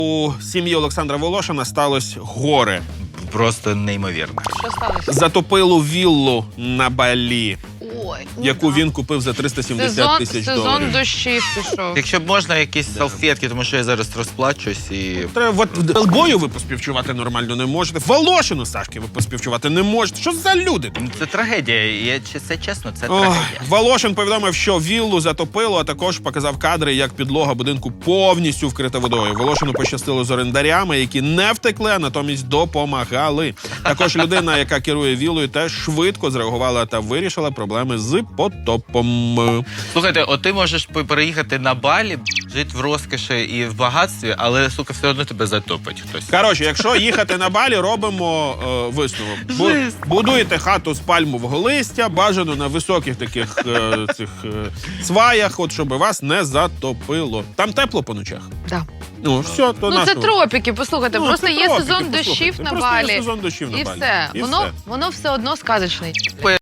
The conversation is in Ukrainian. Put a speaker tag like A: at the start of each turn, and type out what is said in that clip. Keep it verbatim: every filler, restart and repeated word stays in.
A: У сім'ї Олександра Волошина сталося горе.
B: Просто неймовірно.
C: Що сталося?
A: Затопило віллу на Балі,
C: Ой,
A: яку
C: да.
A: він купив за триста сімдесят
C: сезон,
A: тисяч
C: сезон
A: доларів.
C: дощів пішов.
B: Якщо б можна, якісь салфетки, тому що я зараз розплачусь і...
A: Треба, от Делбою ви поспівчувати нормально не можете. Волошину, Сашки, ви поспівчувати не можете. Що за люди?
B: Ну, це трагедія. Я, чи це чесно, це
A: Ох,
B: трагедія.
A: Волошин повідомив, що віллу затопило, а також показав кадри, як підлога будинку повністю вкрита водою. Волошину пощастило з орендарями, які не втекли, а натомість допомагали. Також людина, яка керує віллою, теж швидко зреагувала та вирішила проблеми з потопом.
B: Слухайте, от ти можеш по- переїхати на Балі, жити в розкоші і в багатстві, але, сука, все одно тебе затопить хтось.
A: Коротше, якщо їхати на Балі, робимо е, висновок. Бу-
B: Жесть.
A: будуєте хату з пальмового листя, бажано на високих таких е, цих е, сваях, от щоб вас не затопило. Там тепло по ночах.
C: Да.
A: Ну, все, то
C: Ну це
A: нашого.
C: тропіки, послухайте,
A: Ну,
C: просто
A: це
C: є
A: тропіки,
C: сезон
A: послухайте.
C: дощів на
A: Просто є
C: Балі.
A: сезон дощів на
C: І
A: Балі.
C: все.
A: І
C: Воно,
A: все.
C: воно все одно сказочне.